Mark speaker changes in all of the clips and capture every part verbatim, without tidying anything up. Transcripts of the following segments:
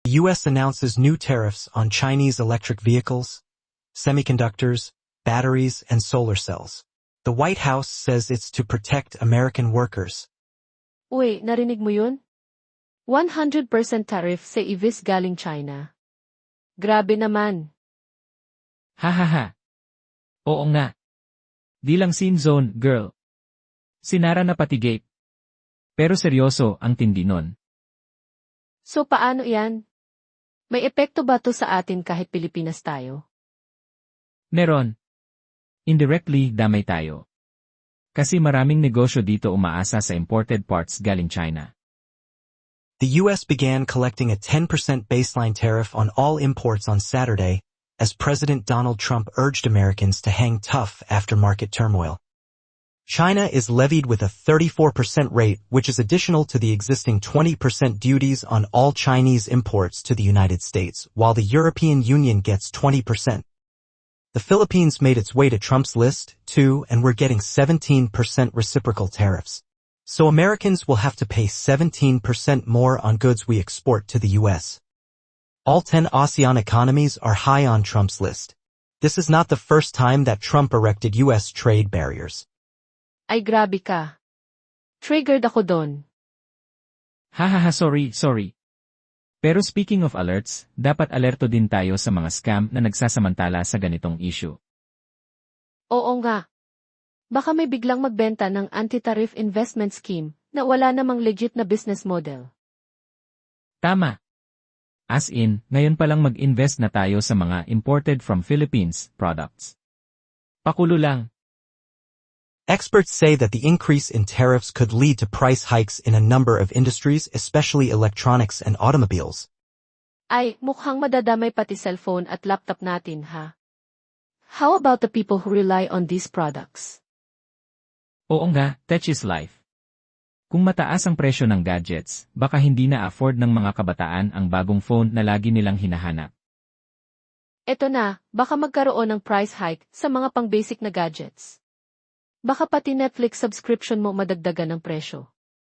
Speaker 1: The U S announces new tariffs on Chinese electric vehicles, semiconductors, batteries, and solar cells. The White House says it's to protect American workers.
Speaker 2: Uy, narinig mo yun? one hundred percent tariff sa E Vs galing China. Grabe naman.
Speaker 3: Hahaha. Oo nga. Di lang scene zone, girl. Sinara na pati gate. Pero seryoso ang tindi nun.
Speaker 2: So paano yan? May epekto ba to sa atin kahit Pilipinas tayo?
Speaker 3: Meron. Indirectly, damay tayo. Kasi maraming negosyo dito umaasa sa imported parts galing China.
Speaker 1: The U S began collecting a ten percent baseline tariff on all imports on Saturday, as President Donald Trump urged Americans to hang tough after market turmoil. China is levied with a thirty-four percent rate, which is additional to the existing twenty percent duties on all Chinese imports to the United States, while the European Union gets twenty percent. The Philippines made its way to Trump's list, too, and we're getting seventeen percent reciprocal tariffs. So Americans will have to pay seventeen percent more on goods we export to the U S. All ten ASEAN economies are high on Trump's list. This is not the first time that Trump erected U S trade barriers.
Speaker 2: Ay grabe ka. Triggered ako doon.
Speaker 3: Hahaha sorry, sorry. Pero speaking of alerts, dapat alerto din tayo sa mga scam na nagsasamantala sa ganitong issue.
Speaker 2: Oo nga. Baka may biglang magbenta ng anti-tariff investment scheme na wala namang legit na business model.
Speaker 3: Tama. As in, ngayon palang mag-invest na tayo sa mga imported from Philippines products. Pakulo lang.
Speaker 1: Experts say that the increase in tariffs could lead to price hikes in a number of industries, especially electronics and automobiles.
Speaker 2: Ay, mukhang madadamay pati cellphone at laptop natin, ha? How about the people who rely on these products?
Speaker 3: Oo nga, tech is life. Kung mataas ang presyo ng gadgets, baka hindi na afford ng mga kabataan ang bagong phone na lagi nilang hinahanap.
Speaker 2: Eto na, baka magkaroon ng price hike sa mga pang-basic na gadgets. Baka pati Netflix subscription mo madagdagan ng presyo.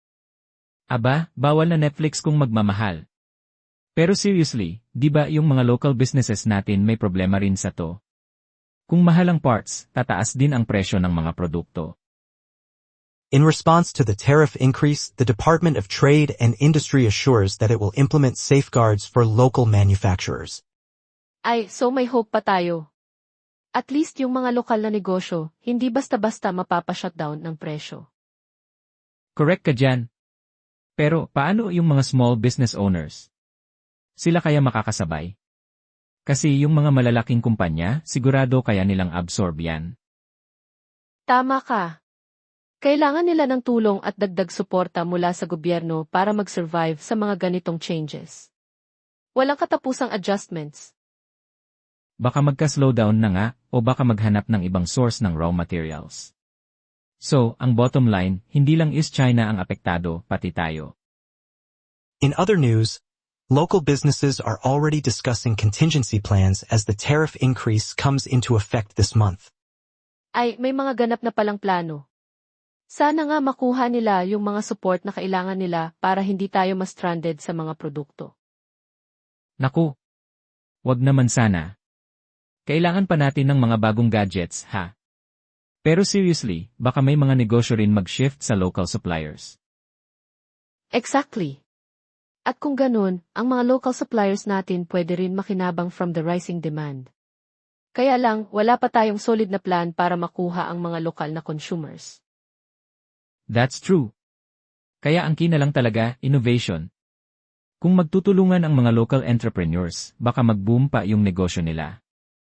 Speaker 3: Aba, bawal na Netflix kung magmamahal. Pero seriously, di ba yung mga local businesses natin may problema rin sa to? Kung mahal ang parts, tataas din ang presyo ng mga produkto.
Speaker 1: In response to the tariff increase, the Department of Trade and Industry assures that it will implement safeguards for local manufacturers.
Speaker 2: Ay, so may hope pa tayo. At least yung mga lokal na negosyo, hindi basta-basta mapapa-shutdown ng presyo.
Speaker 3: Correct ka dyan. Pero paano yung mga small business owners? Sila kaya makakasabay? Kasi yung mga malalaking kumpanya, sigurado kaya nilang absorb yan.
Speaker 2: Tama ka. Kailangan nila ng tulong at dagdag suporta mula sa gobyerno para mag-survive sa mga ganitong changes. Walang katapusang adjustments.
Speaker 3: Baka magka-slowdown na nga o baka maghanap ng ibang source ng raw materials. So, ang bottom line, hindi lang is China ang apektado, pati tayo.
Speaker 1: In other news, local businesses are already discussing contingency plans as the tariff increase comes into effect this month.
Speaker 2: Ay, may mga ganap na palang plano. Sana nga makuha nila yung mga support na kailangan nila para hindi tayo ma-stranded sa mga produkto.
Speaker 3: Naku! Wag naman sana. Kailangan pa natin ng mga bagong gadgets, ha? Pero seriously, baka may mga negosyo rin mag-shift sa local suppliers.
Speaker 2: Exactly. At kung ganun, ang mga local suppliers natin pwede rin makinabang from the rising demand. Kaya lang, wala pa tayong solid na plan para makuha ang mga lokal na consumers.
Speaker 3: That's true. Kaya ang key na lang talaga, innovation. Kung magtutulungan ang mga local entrepreneurs, baka mag-boom pa yung negosyo nila.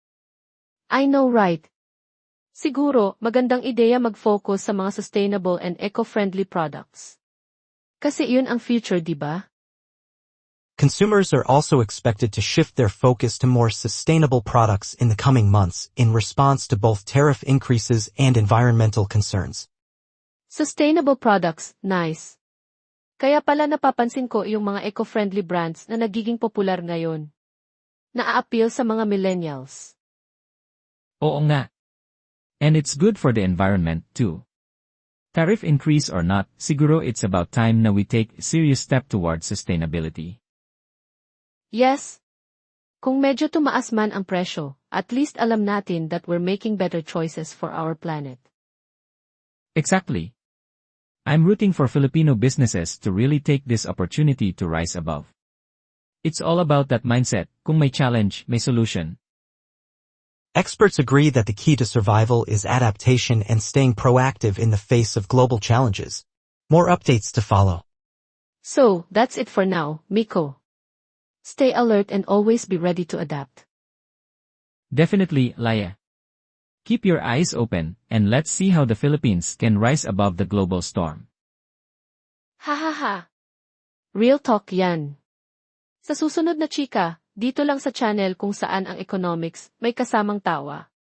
Speaker 2: I know right. Siguro, magandang ideya mag-focus sa mga sustainable and eco-friendly products. Kasi yun ang future, di ba?
Speaker 1: Consumers are also expected to shift their focus to more sustainable products in the coming months in response to both tariff increases and environmental concerns.
Speaker 2: Sustainable products, nice. Kaya pala napapansin ko yung mga eco-friendly brands na nagiging popular ngayon. Na-appeal sa mga millennials.
Speaker 3: Oo nga. And it's good for the environment, too. Tariff increase or not, siguro it's about time na we take a serious step towards sustainability.
Speaker 2: Yes. Kung medyo tumaas man ang presyo, at least alam natin that we're making better choices for our planet.
Speaker 3: Exactly. I'm rooting for Filipino businesses to really take this opportunity to rise above. It's all about that mindset. Kung may challenge, may solution.
Speaker 1: Experts agree that the key to survival is adaptation and staying proactive in the face of global challenges. More updates to follow.
Speaker 2: So, that's it for now, Miko. Stay alert and always be ready to adapt.
Speaker 3: Definitely, Laya. Keep your eyes open, and let's see how the Philippines can rise above the global storm.
Speaker 2: Ha ha ha. Real talk yan. Sa susunod na chika, dito lang sa channel kung saan ang economics may kasamang tawa.